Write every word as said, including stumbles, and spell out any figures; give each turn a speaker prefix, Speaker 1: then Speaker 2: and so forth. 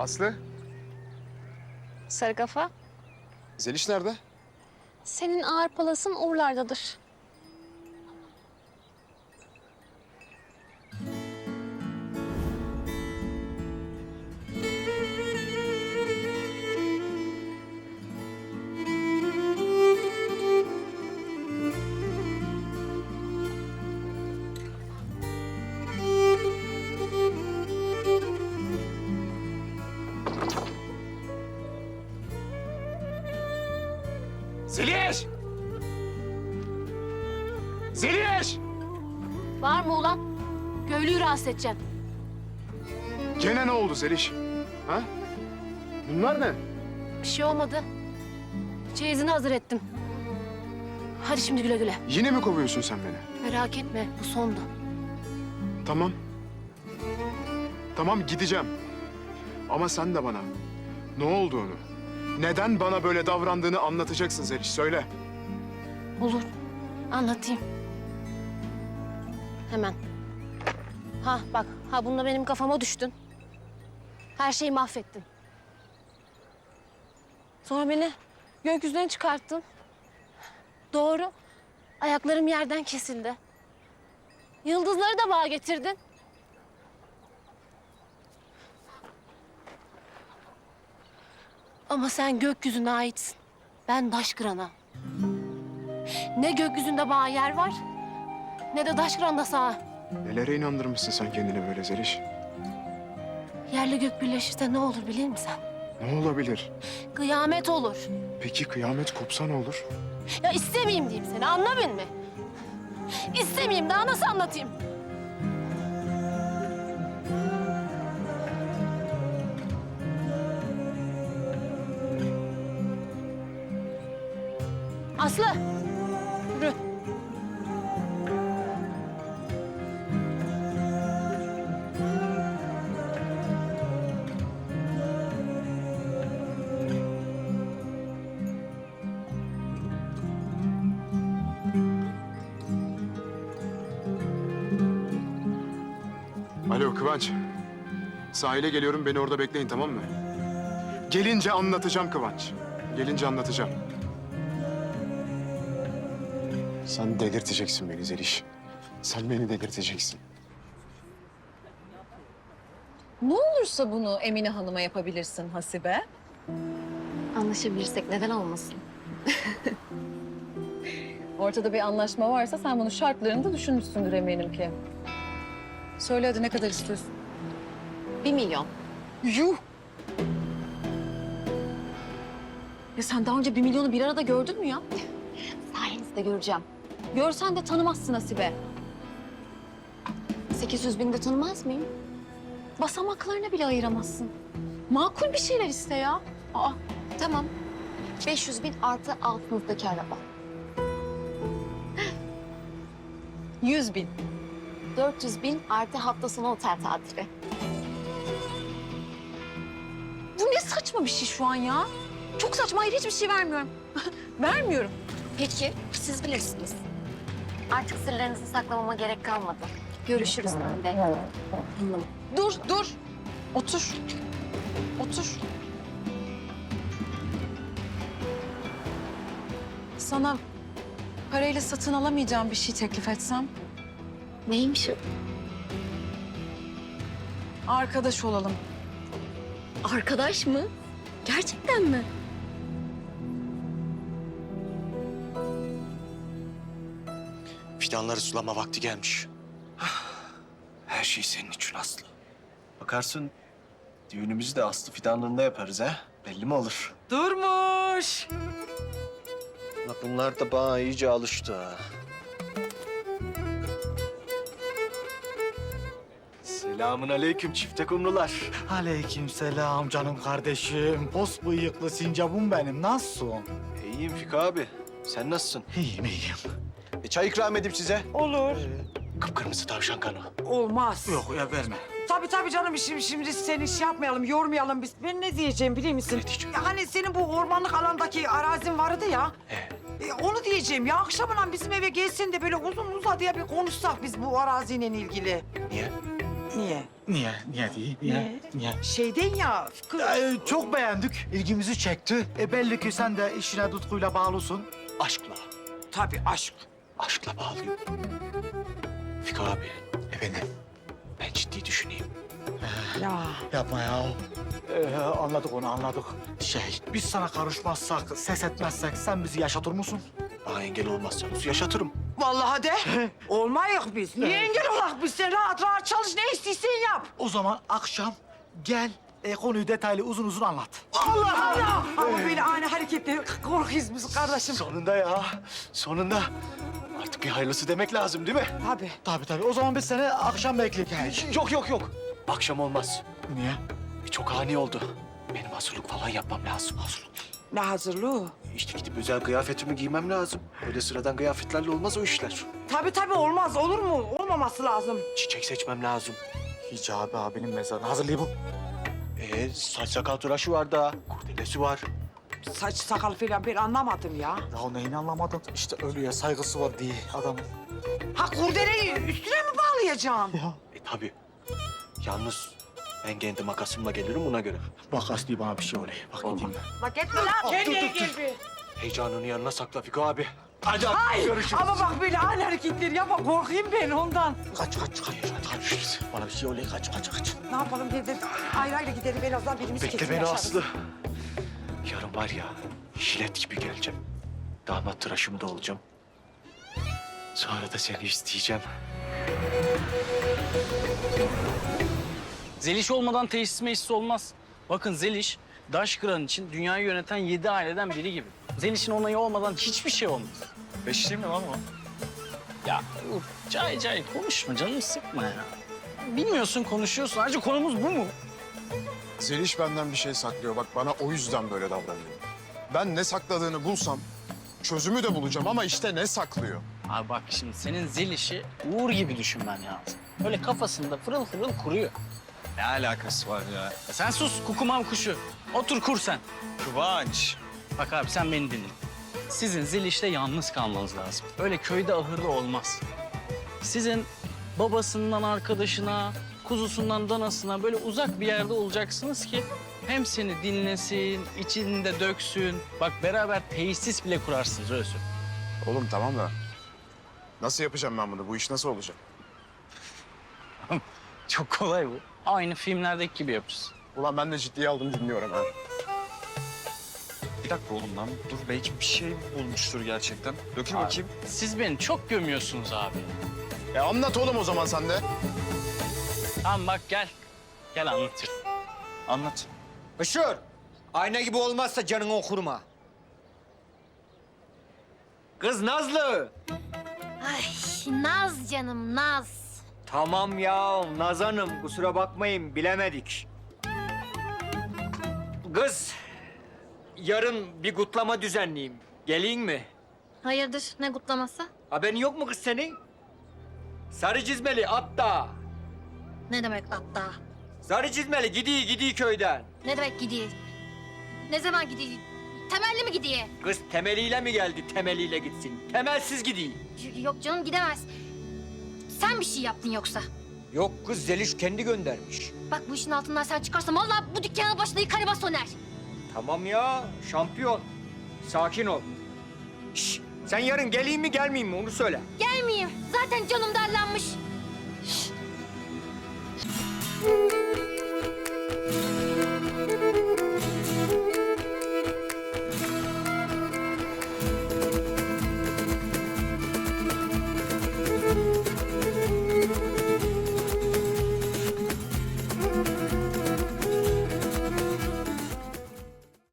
Speaker 1: Aslı,
Speaker 2: Sarı kafa.
Speaker 1: Zeliş nerede?
Speaker 2: Senin ağır palasın Uğurlar'dadır.
Speaker 1: Zeliş! Zeliş!
Speaker 2: Var mı ulan? Köylüyü rahatsız edeceğim.
Speaker 1: Gene ne oldu Zeliş? Ha? Bunlar ne?
Speaker 2: Bir şey olmadı. Çeyizini hazır ettim. Hadi şimdi güle güle.
Speaker 1: Yine mi kovuyorsun sen beni?
Speaker 2: Merak etme, bu sondu.
Speaker 1: Tamam. Tamam gideceğim. Ama sen de bana ne olduğunu, neden bana böyle davrandığını anlatacaksın Zeliş. Söyle.
Speaker 2: Olur, anlatayım. Hemen. Ha bak, ha bununla benim kafama düştün. Her şeyi mahvettin. Sonra beni gökyüzüne çıkarttın. Doğru. Ayaklarım yerden kesildi. Yıldızları da bana getirdin. Ama sen gökyüzüne aitsin. Ben Daşkıran'a. Ne gökyüzünde bana yer var, ne de Daşkıran'da sağa.
Speaker 1: Nelere inandırmışsın sen kendini böyle Zeliş?
Speaker 2: Yerle gök birleşirse ne olur bilir misin?
Speaker 1: Ne olabilir?
Speaker 2: Kıyamet olur.
Speaker 1: Peki kıyamet kopsa ne olur?
Speaker 2: Ya istemeyeyim diyeyim seni, anlamadın mı? İstemeyeyim, daha nasıl anlatayım? Aslı, yürü.
Speaker 1: Alo Kıvanç. Sahile geliyorum, beni orada bekleyin, tamam mı? Gelince anlatacağım Kıvanç. Gelince anlatacağım. Sen delirteceksin beni Zeliş. Sen beni delirteceksin.
Speaker 3: Ne olursa bunu Emine Hanım'a yapabilirsin Hasibe.
Speaker 2: Anlaşabilirsek neden olmasın?
Speaker 3: Ortada bir anlaşma varsa sen bunun şartlarını da düşünmüşsündür eminim ki. Söyle hadi ne kadar istiyorsun?
Speaker 2: Bir milyon.
Speaker 3: Yuh! Ya sen daha önce bir milyonu bir arada gördün mü ya?
Speaker 2: Sayenizde göreceğim.
Speaker 3: Görsen de tanımazsın Hasibe.
Speaker 2: sekiz yüz bin de tanımaz mıyım?
Speaker 3: Basamaklarına bile ayıramazsın. Makul bir şeyler iste ya. Aa,
Speaker 2: Tamam. beş yüz bin artı altınızdaki araba.
Speaker 3: yüz bin.
Speaker 2: dört yüz bin artı hafta sonu otel tatili.
Speaker 3: Bu ne saçma bir şey şu an ya? Çok saçma, hayır hiçbir şey vermiyorum. Vermiyorum.
Speaker 2: Peki, siz bilirsiniz. Artık sırlarınızı saklamama gerek kalmadı. Görüşürüz ben de.
Speaker 3: Dur, dur. Otur. Otur. Sana parayla satın alamayacağım bir şey teklif etsem,
Speaker 2: Neymiş o?
Speaker 3: arkadaş olalım.
Speaker 2: Arkadaş mı? Gerçekten mi?
Speaker 4: Fidanları sulama vakti gelmiş. Her şey senin için Aslı. Bakarsın düğünümüzü de Aslı fidanlığında yaparız ha. Belli mi olur?
Speaker 5: Durmuş.
Speaker 4: Bak bunlar da bana iyice alıştı ha. Selamun aleyküm çifte kumrular.
Speaker 5: Aleykümselam canım kardeşim. Pos bıyıklı sincabım benim. Nasılsın?
Speaker 4: İyiyim Fiko abi. Sen nasılsın?
Speaker 5: İyiyim iyiyim.
Speaker 4: E, çay ikram edeyim size.
Speaker 5: Olur.
Speaker 4: Kıpkırmızı tavşan kanı.
Speaker 6: Olmaz.
Speaker 5: Yok ya verme.
Speaker 6: Tabii tabii canım şimdi, şimdi seni şey yapmayalım, yormayalım biz. Ben ne diyeceğim biliyor musun?
Speaker 4: Ne diyeceğim?
Speaker 6: Ya hani senin bu ormanlık alandaki arazin vardı ya.
Speaker 4: He.
Speaker 6: E, onu diyeceğim ya akşamına bizim eve gelsin de böyle uzun uzadıya bir konuşsak biz bu araziyle ilgili.
Speaker 4: Niye?
Speaker 6: Niye?
Speaker 5: Niye? Niye değil? Niye? Niye?
Speaker 6: Şeyden ya.
Speaker 5: Ee, çok beğendik. İlgimizi çekti. E belli ki sen de işine tutkuyla bağlısın. Aşkla.
Speaker 6: Tabii aşk.
Speaker 4: Aşkla bağlıyım. Fiko abi,
Speaker 5: Efendim?
Speaker 4: ben ciddi düşüneyim.
Speaker 6: Ya.
Speaker 5: Yapma ya. Ee, anladık onu anladık. Şey, biz sana karışmazsak, ses etmezsek sen bizi yaşatır mısın?
Speaker 4: Bana engel olmazsanız yaşatırım.
Speaker 6: Vallahi de. Olmayız biz. Niye engel olak biz? Sen rahat rahat çalış. Ne istiyorsan yap.
Speaker 5: O zaman akşam gel e, konuyu detaylı uzun uzun anlat.
Speaker 6: Allah Allah. Ama böyle ani hareketleri korkuyuz biz kardeşim.
Speaker 4: Sonunda ya, sonunda. Artık bir hayırlısı demek lazım değil mi?
Speaker 6: Tabii.
Speaker 5: Tabii tabii. O zaman biz seni akşam bekleyelim.
Speaker 4: Yok yok yok. Akşam olmaz.
Speaker 5: Niye?
Speaker 4: Çok ani oldu. Benim hazırlık falan yapmam lazım. Hazırlık.
Speaker 6: Ne hazırlığı?
Speaker 4: İşte gidip özel kıyafetimi giymem lazım. Öyle sıradan kıyafetlerle olmaz o işler.
Speaker 6: Tabii tabii olmaz. Olur mu? Olmaması lazım.
Speaker 4: Çiçek seçmem lazım.
Speaker 5: Hicabi abinin mezarını hazırlayayım bu.
Speaker 4: Ee, saç sakal tıraşı var da, kurdelesi var.
Speaker 6: Saç sakal falan ben anlamadım ya.
Speaker 5: Ya neyini anlamadın? İşte ölüye saygısı var diye adamın.
Speaker 6: Ha kurdeleyi üstüne mi bağlayacağım?
Speaker 5: Ya.
Speaker 4: E tabii. Yalnız ben kendi makasımla gelirim buna göre.
Speaker 5: Bak Aslı bana bir şey oluyor. Bak
Speaker 4: Olmaz.
Speaker 5: gideyim ben.
Speaker 6: Bak etme lan. Kendine gel bir.
Speaker 4: Heyecanını yanına sakla Fiko abi. Hadi abi,
Speaker 6: Ay
Speaker 4: görüşürüz.
Speaker 6: ama bak böyle ani hareketleri yapma. Korkayım ben ondan.
Speaker 5: Kaç kaç kaç. Kaç. Bana bir şey oluyor. Kaç kaç kaç.
Speaker 6: Ne yapalım evde ayrı ayrı gidelim. En azından birimiz
Speaker 4: Bekle
Speaker 6: kesin
Speaker 4: beni
Speaker 6: yaşarız.
Speaker 4: Aslı. Yarın var ya, jilet gibi geleceğim. Damat tıraşımda olacağım. Sonra da seni isteyeceğim.
Speaker 7: Zeliş olmadan tesis meclis olmaz. Bakın Zeliş, Daşkıran için dünyayı yöneten yedi aileden biri gibi. Zeliş'in onayı olmadan hiçbir şey olmaz.
Speaker 8: Beşli mi lan o?
Speaker 7: Ya uf, cay cay konuşma, canımı sıkma ya. Bilmiyorsun, konuşuyorsun. Ayrıca konumuz bu mu?
Speaker 1: Zeliş benden bir şey saklıyor. Bak bana o yüzden böyle davranıyor. Ben ne sakladığını bulsam çözümü de bulacağım ama işte ne saklıyor?
Speaker 7: Abi bak şimdi senin Zeliş'i Uğur gibi düşünmen lazım. Öyle kafasında fırıl fırıl kuruyor.
Speaker 8: Ne alakası var ya?
Speaker 7: Ya sen sus kukumam kuşu. Otur kur sen.
Speaker 8: Kıvanç.
Speaker 7: Bak abi sen beni dinle. Sizin Zeliş'le yalnız kalmanız lazım. Öyle köyde ahırda olmaz. Sizin babasından arkadaşına, kuzusundan danasına böyle uzak bir yerde olacaksınız ki hem seni dinlesin, içinde döksün. Bak beraber tesis bile kurarsınız öyle söyleyeyim.
Speaker 1: Oğlum tamam da nasıl yapacağım ben bunu? Bu iş nasıl olacak?
Speaker 7: Çok kolay bu. Aynı filmlerdeki gibi yapacağız.
Speaker 1: Ulan ben de ciddiye aldım dinliyorum ha.
Speaker 8: Bir dakika oğlum lan. Dur belki bir şey bulmuştur gerçekten. Dökül
Speaker 7: Abi,
Speaker 8: bakayım.
Speaker 7: Siz beni çok gömüyorsunuz abi.
Speaker 1: E anlat oğlum o zaman sen de.
Speaker 7: Tamam bak gel. Gel anlatırım.
Speaker 8: Anlat.
Speaker 9: Işır, ayna gibi olmazsa canını okurma. Kız Nazlı.
Speaker 2: Ay Naz canım Naz.
Speaker 9: Tamam ya, Naz Hanım. Kusura bakmayın, bilemedik. Kız, yarın bir kutlama düzenleyeyim. Geleyim mi?
Speaker 2: Hayırdır ne kutlaması?
Speaker 9: Haberin yok mu kız senin? Sarı çizmeli hatta.
Speaker 2: Ne demek hatta?
Speaker 9: Sarı çizmeli gidiyor gidiyor köyden.
Speaker 2: Ne demek gidiyor? Ne zaman gidiyor? Temelli mi gidiyor?
Speaker 9: Kız temeliyle mi geldi, temeliyle gitsin? Temelsiz gidiyor.
Speaker 2: Y- Yok canım gidemez. Sen bir şey yaptın yoksa?
Speaker 9: Yok kız, Zeliş kendi göndermiş.
Speaker 2: Bak bu işin altından sen çıkarsan vallahi bu dükkanın başına yıkarı bas söner.
Speaker 9: Tamam ya, şampiyon. Sakin ol. Şş, sen yarın geleyim mi gelmeyeyim mi onu söyle.
Speaker 2: Gelmeyeyim. Zaten canım darlanmış.